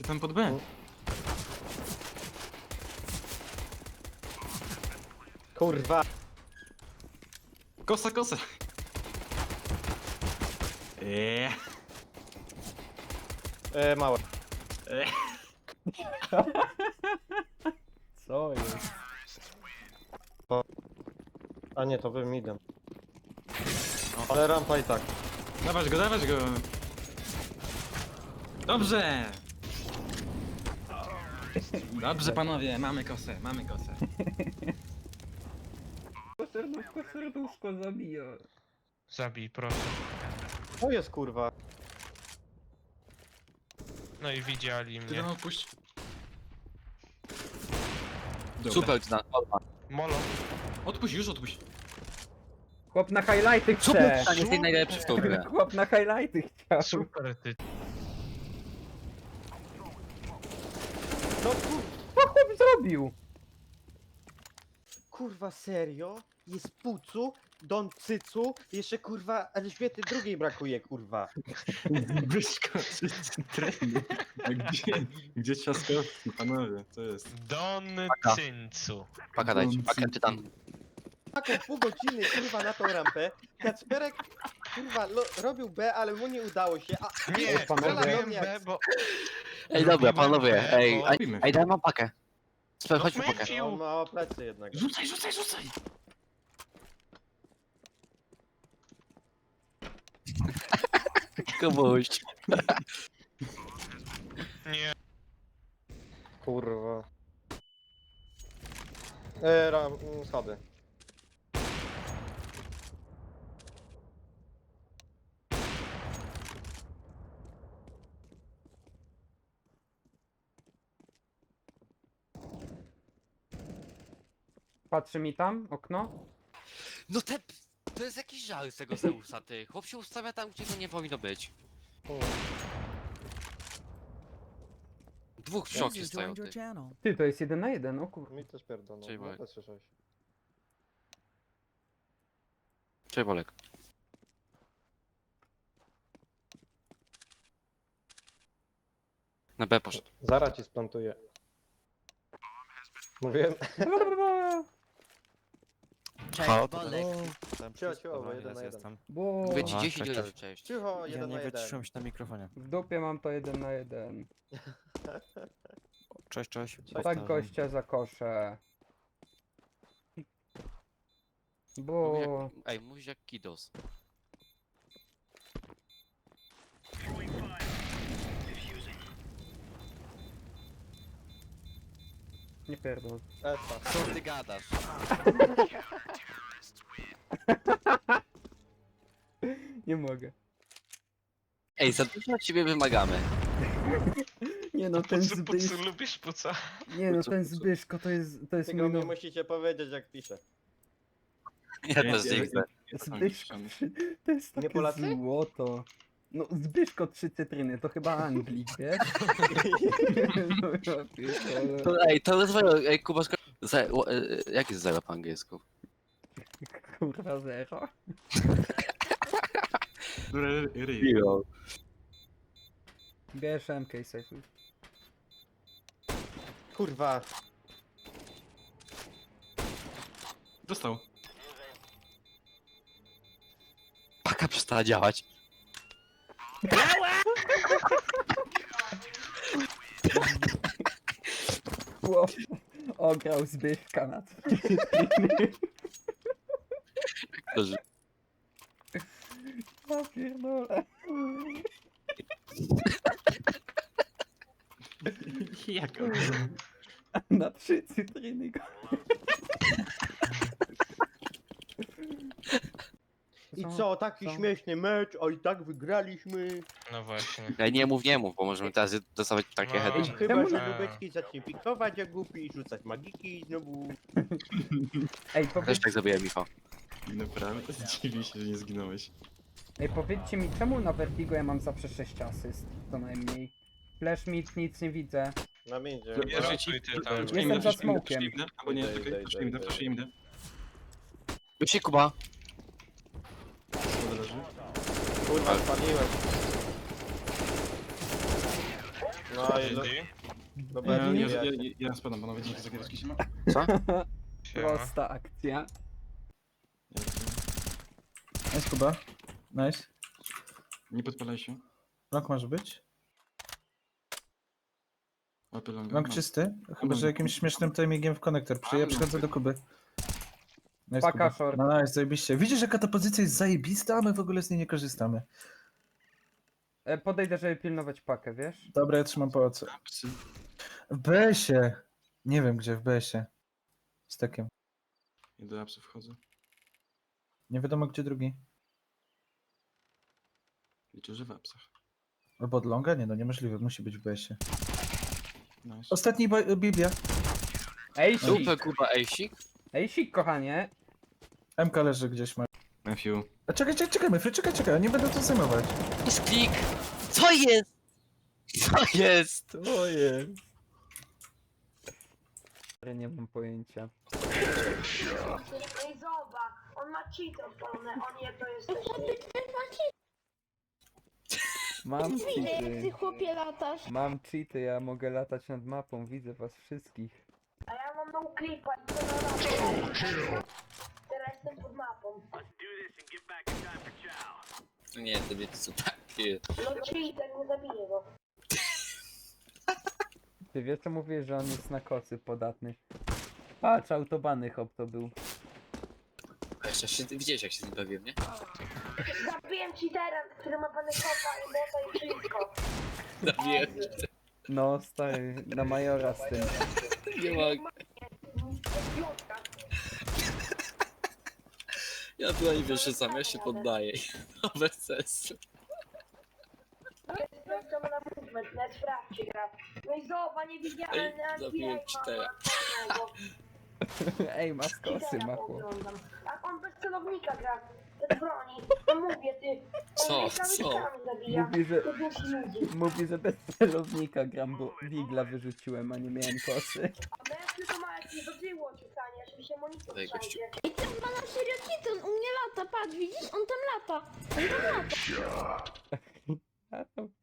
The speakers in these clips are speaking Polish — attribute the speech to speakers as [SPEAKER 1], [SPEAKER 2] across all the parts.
[SPEAKER 1] Jestem pod B.
[SPEAKER 2] Kurwa.
[SPEAKER 1] Kosa, kosa.
[SPEAKER 2] Małe.
[SPEAKER 3] Co jest?
[SPEAKER 2] A nie, to wy midem. Ale rampa i tak.
[SPEAKER 1] Dawać go, dawać go. Dobrze. Dobrze panowie, mamy kosę, mamy kosę.
[SPEAKER 3] Serduszko, serduszko zabija.
[SPEAKER 4] Zabij, proszę.
[SPEAKER 2] To jest kurwa.
[SPEAKER 4] No i widzieli
[SPEAKER 1] Ty
[SPEAKER 4] mnie.
[SPEAKER 1] no puść. Dobra.
[SPEAKER 5] Super, Zdan.
[SPEAKER 4] Molo.
[SPEAKER 1] Odpuść, już odpuść.
[SPEAKER 3] Chłop na highlighty
[SPEAKER 5] Super,
[SPEAKER 3] chce!
[SPEAKER 5] jest najlepszy w tą grę.
[SPEAKER 3] Chłop na highlighty chciał.
[SPEAKER 4] Super ty.
[SPEAKER 2] No kur...
[SPEAKER 3] Co chłop zrobił?
[SPEAKER 2] kurwa serio? Jest Pucu, Don Cycu, jeszcze kurwa Elżbiety II brakuje kurwa.
[SPEAKER 1] Wyszko, trendy. Gdzie ciaskowski, panowie, to jest.
[SPEAKER 4] Don
[SPEAKER 5] Paka.
[SPEAKER 4] Cyncu.
[SPEAKER 5] Paka dajcie, pakę czytam.
[SPEAKER 2] Taką pół godziny kurwa na tą rampę. Kacperek kurwa robił B, ale mu nie udało się. A
[SPEAKER 4] Nie,
[SPEAKER 3] panowie.
[SPEAKER 4] robiłem B, bo...
[SPEAKER 5] Ej, dobra, panowie, ej,
[SPEAKER 4] bo-
[SPEAKER 5] ej, daj mam pakę. Super,
[SPEAKER 4] No
[SPEAKER 5] chodźmy pakę.
[SPEAKER 4] Matthew.
[SPEAKER 2] on ma plecy jednak.
[SPEAKER 1] Rzucaj, rzucaj, rzucaj!
[SPEAKER 5] Komuś.
[SPEAKER 4] Nie.
[SPEAKER 2] Kurwa. Schody.
[SPEAKER 3] Patrzy mi tam, okno.
[SPEAKER 5] No to jest jakiś żal z tego Zeusa, ty. Chłop się ustawia tam, gdzie go nie powinno być. Dwóch w szokie
[SPEAKER 6] User
[SPEAKER 5] stoją,
[SPEAKER 6] joined your
[SPEAKER 5] ty.
[SPEAKER 6] channel.
[SPEAKER 3] Ty, to jest 1 na 1, o kurwa.
[SPEAKER 2] Mi też pierdolą.
[SPEAKER 5] Cześć,
[SPEAKER 2] No,
[SPEAKER 5] Bolek.
[SPEAKER 2] też słyszałeś.
[SPEAKER 5] Cześć, Bolek. Na B poszedł.
[SPEAKER 2] Zaraz ci splantuję. Mówiłem.
[SPEAKER 7] Cześć,
[SPEAKER 5] Halo,
[SPEAKER 7] Bolek.
[SPEAKER 2] Cicho, cicho, bo jeden na jeden.
[SPEAKER 7] jestem.
[SPEAKER 3] Bo
[SPEAKER 5] Mówię ci
[SPEAKER 7] Aha,
[SPEAKER 5] 10
[SPEAKER 7] cześć,
[SPEAKER 5] razy cześć.
[SPEAKER 2] Cicho,
[SPEAKER 7] Ja
[SPEAKER 2] jeden
[SPEAKER 7] nie
[SPEAKER 2] na jeden.
[SPEAKER 7] wyciszyłem się na mikrofonie.
[SPEAKER 3] w dupie mam to 1 na 1.
[SPEAKER 7] Cześć, cześć.
[SPEAKER 3] Tak
[SPEAKER 7] powtarzam.
[SPEAKER 3] gościa za kosze.
[SPEAKER 5] Mówisz
[SPEAKER 3] Bo...
[SPEAKER 5] jak, ej, mówisz jak Kidos.
[SPEAKER 3] Nie pierdol.
[SPEAKER 2] Esa.
[SPEAKER 5] Co ty gadasz?
[SPEAKER 3] Nie mogę.
[SPEAKER 5] Ej, za dużo od ciebie wymagamy.
[SPEAKER 3] Nie no, ten
[SPEAKER 4] Pucu, pucu,
[SPEAKER 3] Zbyszko...
[SPEAKER 4] lubisz puca?
[SPEAKER 3] Nie no,
[SPEAKER 5] Pucu,
[SPEAKER 3] ten
[SPEAKER 5] pucu.
[SPEAKER 3] Zbyszko to jest
[SPEAKER 2] Tylko
[SPEAKER 3] mój
[SPEAKER 2] mi
[SPEAKER 3] no...
[SPEAKER 2] musicie powiedzieć jak piszę.
[SPEAKER 5] Ja też nie widzę.
[SPEAKER 3] Zbyszko, to jest takie
[SPEAKER 2] Polacy?
[SPEAKER 3] złoto. No Zbyszko 3 cytryny, to chyba Anglik, wiesz? No, ja pierdolę.
[SPEAKER 5] To, ej, to zero, ej, Kuba, jak jest zero po angielsku?
[SPEAKER 3] Kurwa zero.
[SPEAKER 1] Ryj.
[SPEAKER 5] Zero.
[SPEAKER 3] Bierz MK safe.
[SPEAKER 2] Kurwa.
[SPEAKER 1] Dostał.
[SPEAKER 5] Paka przestała działać.
[SPEAKER 3] Chłop ograł Zbyszka na 3 cytryny.
[SPEAKER 5] Dobrze.
[SPEAKER 3] Ja pierdolę.
[SPEAKER 1] Jak
[SPEAKER 3] Na 3 cytryny go.
[SPEAKER 2] I co, taki
[SPEAKER 3] Co?
[SPEAKER 2] śmieszny mecz, a i tak wygraliśmy.
[SPEAKER 4] No właśnie.
[SPEAKER 5] Ej, nie mów, bo możemy teraz dostawać takie
[SPEAKER 4] No.
[SPEAKER 5] heady.
[SPEAKER 2] Chyba,
[SPEAKER 3] Czemu
[SPEAKER 2] że
[SPEAKER 4] nie?
[SPEAKER 2] Lubecki zacznie pikować jak głupi i rzucać magiki i znowu...
[SPEAKER 3] Ej,
[SPEAKER 5] Też tak zrobiłem, Michał.
[SPEAKER 1] Naprawdę? Dziwi się, że nie zginąłeś.
[SPEAKER 3] powiedzcie mi, czemu na Vertigo ja mam zawsze 6 asyst, co najmniej. Flash mid, nic nie widzę.
[SPEAKER 2] Na międzie.
[SPEAKER 4] Rzucuj ty tam.
[SPEAKER 3] Jestem za smokiem.
[SPEAKER 1] Albo nie,
[SPEAKER 2] Idę,
[SPEAKER 1] czekaj,
[SPEAKER 2] idę,
[SPEAKER 1] proszę im
[SPEAKER 2] idę,
[SPEAKER 1] da, proszę
[SPEAKER 2] idę.
[SPEAKER 1] im da.
[SPEAKER 5] Wyszli, Kuba.
[SPEAKER 1] Schody leży.
[SPEAKER 2] Kurwa, spaliłem. No i dobra,
[SPEAKER 1] Ja spadam, panowie, dzięki za giereczki się ma.
[SPEAKER 4] Siema.
[SPEAKER 3] Prosta akcja.
[SPEAKER 6] Nice, Kuba. Nice.
[SPEAKER 1] Nie podpalaj się.
[SPEAKER 6] Long może być.
[SPEAKER 1] Łapy longa.
[SPEAKER 6] Long
[SPEAKER 1] No.
[SPEAKER 6] czysty. Chyba, że jakimś śmiesznym timingiem w konektor. Ja przychodzę do Kuby. Nice,
[SPEAKER 3] Paka
[SPEAKER 6] Kuba.
[SPEAKER 3] short.
[SPEAKER 6] No nice, zajebiście. Widzisz, jaka ta pozycja jest zajebista, a my w ogóle z niej nie korzystamy.
[SPEAKER 3] Podejdę, żeby pilnować pakę, wiesz?
[SPEAKER 6] Dobra, ja trzymam pałace.
[SPEAKER 1] Psy.
[SPEAKER 6] W BS-ie. Nie wiem gdzie, w BS-ie. Z takiem.
[SPEAKER 1] I do apsy wchodzę.
[SPEAKER 6] Nie wiadomo gdzie drugi.
[SPEAKER 1] Liczę, że w apsach.
[SPEAKER 6] Albo od longa? Nie no, niemożliwe. Musi być w BS-ie.
[SPEAKER 1] Nice.
[SPEAKER 6] Ostatni Biblia.
[SPEAKER 3] Ejsik!
[SPEAKER 5] Super Kuba Ejsik.
[SPEAKER 3] Ejsik, kochanie!
[SPEAKER 6] MK leży gdzieś ma.
[SPEAKER 1] Matthew.
[SPEAKER 6] A czekaj, Myfry, czekaj, nie będę to zajmować.
[SPEAKER 5] Jest klik! Co jest? Co jest?
[SPEAKER 3] Ojej. Nie mam pojęcia.
[SPEAKER 8] Ej, zobacz, on ma cheater polne, on nie to jest też
[SPEAKER 3] Mam
[SPEAKER 8] Widzę, jak ty
[SPEAKER 3] cheaty.
[SPEAKER 8] chłopie latasz.
[SPEAKER 3] Mam cheaty, ja mogę latać nad mapą, widzę was wszystkich.
[SPEAKER 8] A ja mam no clipa i to na mapę. Teraz jestem pod mapą.
[SPEAKER 5] Nie, to wiecie co takie.
[SPEAKER 8] No cheater, nie zabiję go.
[SPEAKER 3] Ty wiesz co mówię, że on jest na kocy podatny. Patrz, autobany hop to był.
[SPEAKER 5] Widziałeś jak się z nim bawiłem, nie?
[SPEAKER 8] Zabiłem cheatera, który ma pany kopa i bota i wszystko.
[SPEAKER 5] Zabiłem.
[SPEAKER 3] No stary, na majora z tym.
[SPEAKER 5] Nie mogę.
[SPEAKER 8] Piątka.
[SPEAKER 5] Ja tutaj wiesz, że sam ja się poddaję. No bez sensu.
[SPEAKER 8] Sprawdzam na movement, net sprawdźcie gra. No i zobacz, nie widziałem
[SPEAKER 5] Ej, zabiłem cheatera.
[SPEAKER 3] Ej, ma skosy,
[SPEAKER 8] Cheatera
[SPEAKER 3] ma chłop.
[SPEAKER 8] oglądam. A on bez celownika gra. Bez broni. No mówię ty.
[SPEAKER 5] Co?
[SPEAKER 8] On cały
[SPEAKER 5] Co?
[SPEAKER 8] czas zabija.
[SPEAKER 3] Mówi, że,
[SPEAKER 8] To dusi ludzi.
[SPEAKER 3] mówi, że bez celownika gram, bo wigla wyrzuciłem, a nie miałem kosy.
[SPEAKER 8] A mężczyzn to ma jakieś do tyłu odrzucanie, żeby się monitor
[SPEAKER 5] Daj, gościu.
[SPEAKER 8] trzęsie.
[SPEAKER 9] I ten ma na serio cheat, on u mnie lata, patrz, widzisz? On tam lata. On tam lata.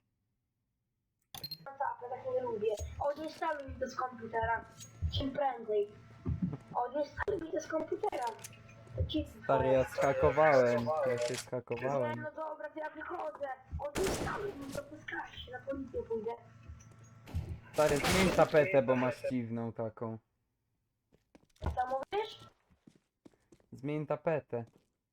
[SPEAKER 8] Tak, tak nie lubię. Odinstaluj mi to z komputera. Czym prędzej. Odinstaluj mi to z komputera. To ci...
[SPEAKER 3] Stary, ja skakowałem, ja się
[SPEAKER 8] Nie,
[SPEAKER 3] skakowałem.
[SPEAKER 8] no dobra, to ja wychodzę. Odinstaluj mi to, poskarż się, na policję pójdę.
[SPEAKER 3] Stary, zmień tapetę, bo masz dziwną taką.
[SPEAKER 8] Co mówisz?
[SPEAKER 3] Zmień tapetę.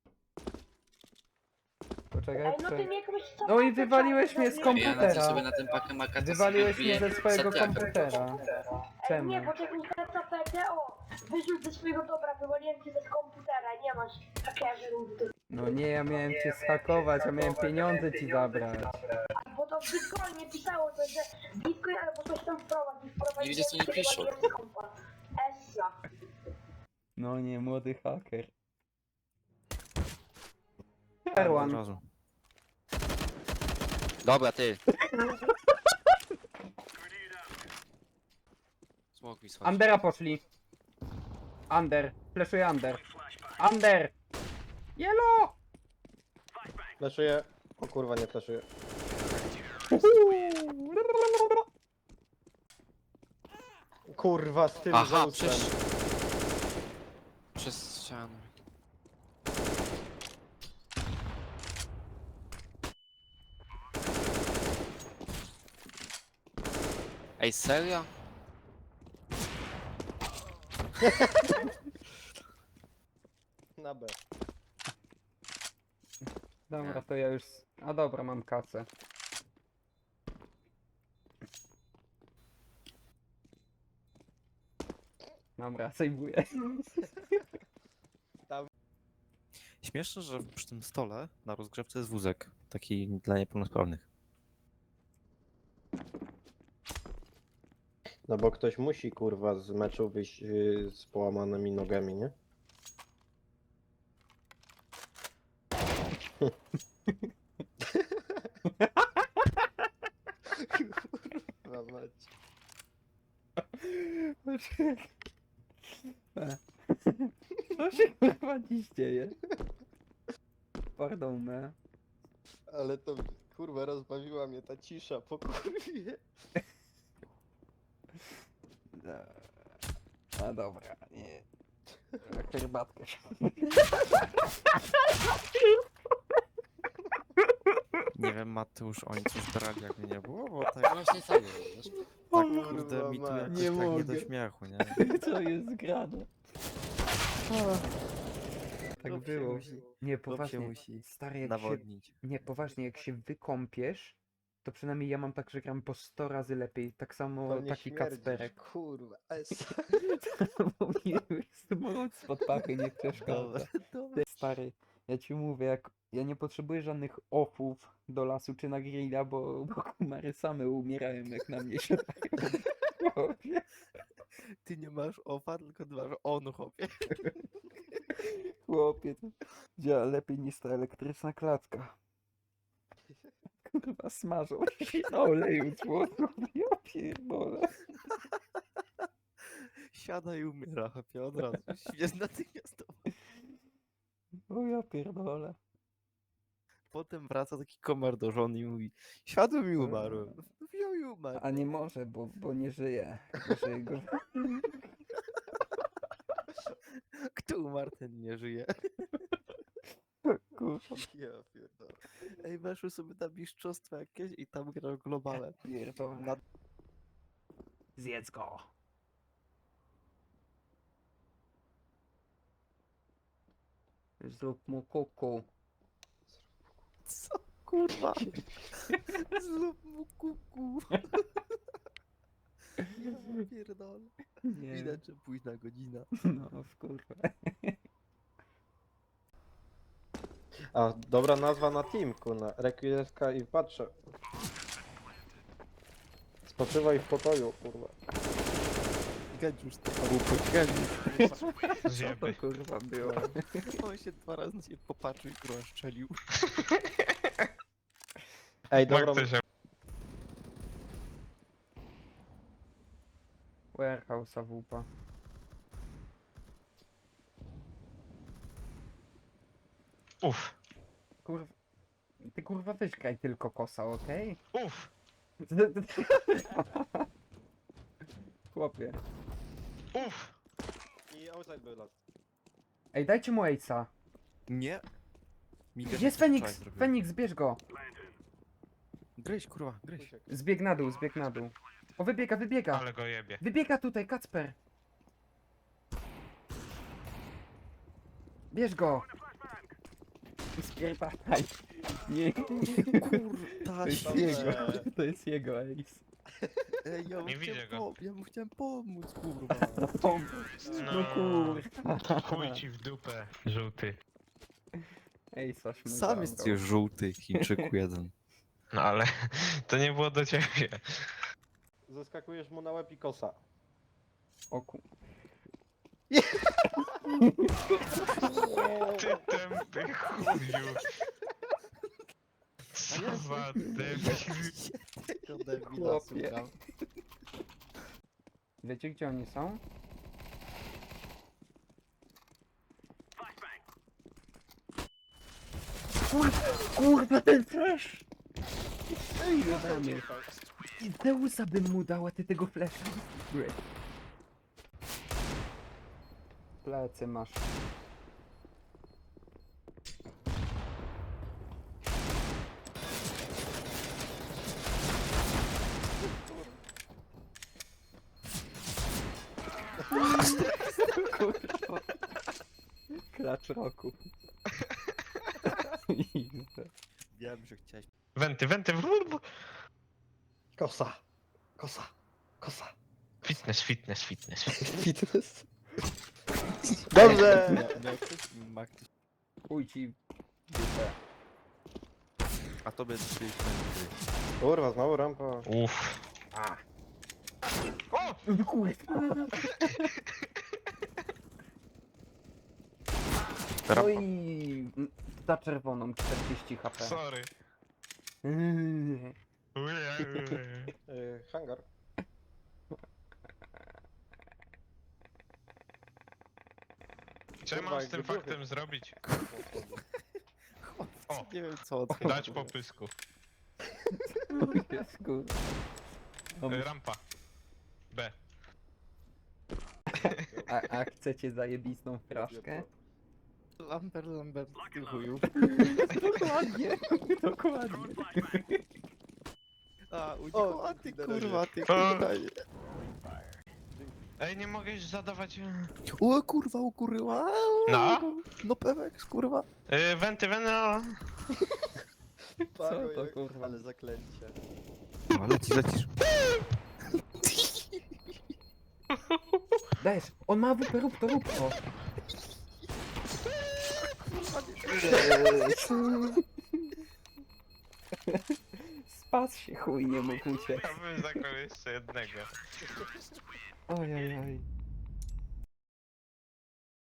[SPEAKER 3] Poczekaj,
[SPEAKER 8] Ej, no ty mnie jakoś...
[SPEAKER 3] No i wywaliłeś mnie z
[SPEAKER 5] Ja
[SPEAKER 3] komputera.
[SPEAKER 5] lecę sobie na ten pakę maka.
[SPEAKER 3] Wywaliłeś mnie ze swojego komputera.
[SPEAKER 8] Ej,
[SPEAKER 3] Czemu?
[SPEAKER 8] nie, poczekaj, teraz tapetę, o! Wyrzuć ze swojego dobra, wywaliłem cię z komputera, nie masz hakerzy ludzi.
[SPEAKER 3] No nie, ja miałem cię schakować, a miałem pieniądze ci zabrać.
[SPEAKER 8] Bo to w Bitcoinie pisało coś, że Bitcoin albo coś tam wprowadzi,
[SPEAKER 5] Nie widzisz, co nie piszą.
[SPEAKER 8] Essa.
[SPEAKER 3] No nie, młody haker.
[SPEAKER 7] Od
[SPEAKER 3] Perłan.
[SPEAKER 7] razu.
[SPEAKER 5] Dobra, ty. Smok mi schodzi.
[SPEAKER 3] Undera poszli. Under. Fleszuję under. Under! Yellow!
[SPEAKER 2] Flaszuję. O kurwa, nie flaszuję. Kurwa, z tym
[SPEAKER 5] Aha,
[SPEAKER 2] Zeusem.
[SPEAKER 5] przez ścianę. Ej, serio?
[SPEAKER 2] Na B.
[SPEAKER 3] Dobra, to ja już... A dobra, mam kasę. Dobra, sejwuję.
[SPEAKER 7] Śmieszne, że przy tym stole na rozgrzewce jest wózek. Taki dla niepełnosprawnych.
[SPEAKER 2] No bo ktoś musi kurwa z meczu wyjść z połamanymi nogami, nie? Kurwa mać.
[SPEAKER 3] Co się kurwa dziś dzieje? Pardon, me.
[SPEAKER 2] Ale to kurwa rozbawiła mnie ta cisza po kurwie.
[SPEAKER 3] A dobra, nie. Herbatkę.
[SPEAKER 7] Nie wiem, Mateusz, oni coś brali jakby nie było, bo tak,
[SPEAKER 5] Właśnie sam wiesz.
[SPEAKER 7] tak kurde mi tu
[SPEAKER 2] mać.
[SPEAKER 7] jakoś
[SPEAKER 3] Nie
[SPEAKER 7] tak nie
[SPEAKER 3] mogę.
[SPEAKER 7] do śmiechu, nie?
[SPEAKER 3] Co jest grane? Tak
[SPEAKER 7] Chłop się
[SPEAKER 3] było.
[SPEAKER 7] musi-
[SPEAKER 3] Nie,
[SPEAKER 7] chłop się
[SPEAKER 3] poważnie.
[SPEAKER 7] musi
[SPEAKER 3] Stary, jak się...
[SPEAKER 7] nawodnić.
[SPEAKER 3] Nie, poważnie, jak się wykąpiesz, to przynajmniej ja mam tak, że gram po 100 razy lepiej. Tak samo
[SPEAKER 2] To nie
[SPEAKER 3] taki
[SPEAKER 2] śmierdzisz,
[SPEAKER 3] Kacperek.
[SPEAKER 2] kurwa.
[SPEAKER 3] Bo mnie jest mróz spod pachy, nie przeszkadza. Stary, ja ci mówię, jak ja nie potrzebuję żadnych offów do lasu czy na grilla, bo kumary same umierają, jak na mnie się robię.
[SPEAKER 7] Ty nie masz ofa, tylko ty masz on, chłopie.
[SPEAKER 3] Chłopie, to działa lepiej niż ta elektryczna klatka. Kurwa, smażą się na oleju człowieku, ja pierdolę.
[SPEAKER 7] Siada i umiera, chłopie, od razu. Jest natychmiastowo.
[SPEAKER 3] O ja pierdolę.
[SPEAKER 7] Potem wraca taki komar do żony i mówi: siadłem i umarłem. Wziął i umarł.
[SPEAKER 3] A nie może, bo nie żyje. Żyje go.
[SPEAKER 7] Kto umarł, ten nie żyje.
[SPEAKER 3] Kurwa,
[SPEAKER 2] Ja pierdolę.
[SPEAKER 7] Ej, weszły sobie na mistrzostwa jakieś i tam grasz globale.
[SPEAKER 3] pierdolę.
[SPEAKER 7] Na-
[SPEAKER 3] Zjedz go. Zrób mu kuku.
[SPEAKER 7] Co? Kurwa. Zrób mu kuku. Ja pierdolę.
[SPEAKER 3] Nie.
[SPEAKER 7] Widać, że późna godzina.
[SPEAKER 3] No, kurwa.
[SPEAKER 2] A, dobra nazwa na team, kurna. Requieska i patrzę. Spoczywaj w pokoju, kurwa.
[SPEAKER 7] Gędziusz to głupy, gędziusz.
[SPEAKER 3] Co to kurwa było?
[SPEAKER 7] On się 2 razy nie popatrzył i kurwa szczelił.
[SPEAKER 2] Ej, dobra.
[SPEAKER 3] Warehouse AWP.
[SPEAKER 10] Uff,
[SPEAKER 3] Kurwa. Ty kurwa weź graj tylko kosa, okej?
[SPEAKER 10] uff,
[SPEAKER 3] Chłopie.
[SPEAKER 10] uff.
[SPEAKER 2] I outside był las.
[SPEAKER 3] Ej, dajcie mu Ace'a.
[SPEAKER 7] Nie. Miguel
[SPEAKER 3] Jest
[SPEAKER 7] coś
[SPEAKER 3] Feniks!
[SPEAKER 7] wczoraj zrobił.
[SPEAKER 3] Feniks, bierz go!
[SPEAKER 7] Gryź, kurwa, gryź.
[SPEAKER 3] Zbieg na dół, zbieg na dół. O, wybiega, wybiega!
[SPEAKER 10] Ale go jebie.
[SPEAKER 3] Wybiega tutaj, Kacper! Bierz go! Spierdalaj! Nie,
[SPEAKER 7] Kurta,
[SPEAKER 3] to jest
[SPEAKER 7] świeżo.
[SPEAKER 3] jego, to jest jego Ace.
[SPEAKER 7] Ej, ja mu
[SPEAKER 10] Nie widzę
[SPEAKER 7] chciałem
[SPEAKER 10] go.
[SPEAKER 7] ja mu chciałem pomóc, kurwa.
[SPEAKER 3] No kurwa.
[SPEAKER 10] Chuj ci w dupę, żółty.
[SPEAKER 3] Ace'a szmugał.
[SPEAKER 7] Sam jesteś żółty, Chińczyku jeden.
[SPEAKER 10] No ale to nie było do ciebie.
[SPEAKER 2] Zaskakujesz mu na łeb i kosa.
[SPEAKER 3] O ku...
[SPEAKER 10] Ty tępy chuju. Co za debil.
[SPEAKER 7] Tego debila
[SPEAKER 3] Chłopie.
[SPEAKER 7] słucham.
[SPEAKER 3] Wiecie gdzie oni są? Kurwa, ten flash! Ej, Adamie. I Zeusa bym mu dał, a ty tego flasha. Great. Plecy masz. Kurwa. Klacz roku.
[SPEAKER 7] Wiem, że chciałeś.
[SPEAKER 10] Wenty, wenty.
[SPEAKER 2] Kosa. Kosa. Kosa.
[SPEAKER 10] Fitness, fitness, fitness.
[SPEAKER 2] Fitness. Dobrze!
[SPEAKER 7] Miał ktoś Makty.
[SPEAKER 3] Chuj ci dupę.
[SPEAKER 7] A to będzie gdzieś
[SPEAKER 2] Kurwa, znowu rampa.
[SPEAKER 10] Uff. O!
[SPEAKER 3] Kurwa.
[SPEAKER 7] Rampa.
[SPEAKER 3] Oj, za czerwoną 40 HP.
[SPEAKER 10] Sorry.
[SPEAKER 2] Hangar.
[SPEAKER 10] Co ja mam z tym faktem zrobić? O,
[SPEAKER 7] Nie wiem co
[SPEAKER 10] dać po pysku.
[SPEAKER 3] Jest kurwa.
[SPEAKER 10] Rampa. B.
[SPEAKER 3] A chcecie zajebistą fraszkę?
[SPEAKER 7] Lambert, ty chuju.
[SPEAKER 3] Dokładnie, dokładnie.
[SPEAKER 7] A, uciekł, a ty kurwa, ty
[SPEAKER 10] O.
[SPEAKER 7] kurwa.
[SPEAKER 10] Ej, nie mogę już zadawać...
[SPEAKER 7] O kurwa.
[SPEAKER 10] No?
[SPEAKER 7] No pewek, kurwa.
[SPEAKER 10] Wenty, no.
[SPEAKER 3] Co to kurwa?
[SPEAKER 2] Ale zaklęcie.
[SPEAKER 7] No, lecisz.
[SPEAKER 3] Dajesz, on ma WP, rób to. Spadł się chuj, nie mógł uciec.
[SPEAKER 10] Ja bym zagrał jeszcze jednego.
[SPEAKER 3] Ojej.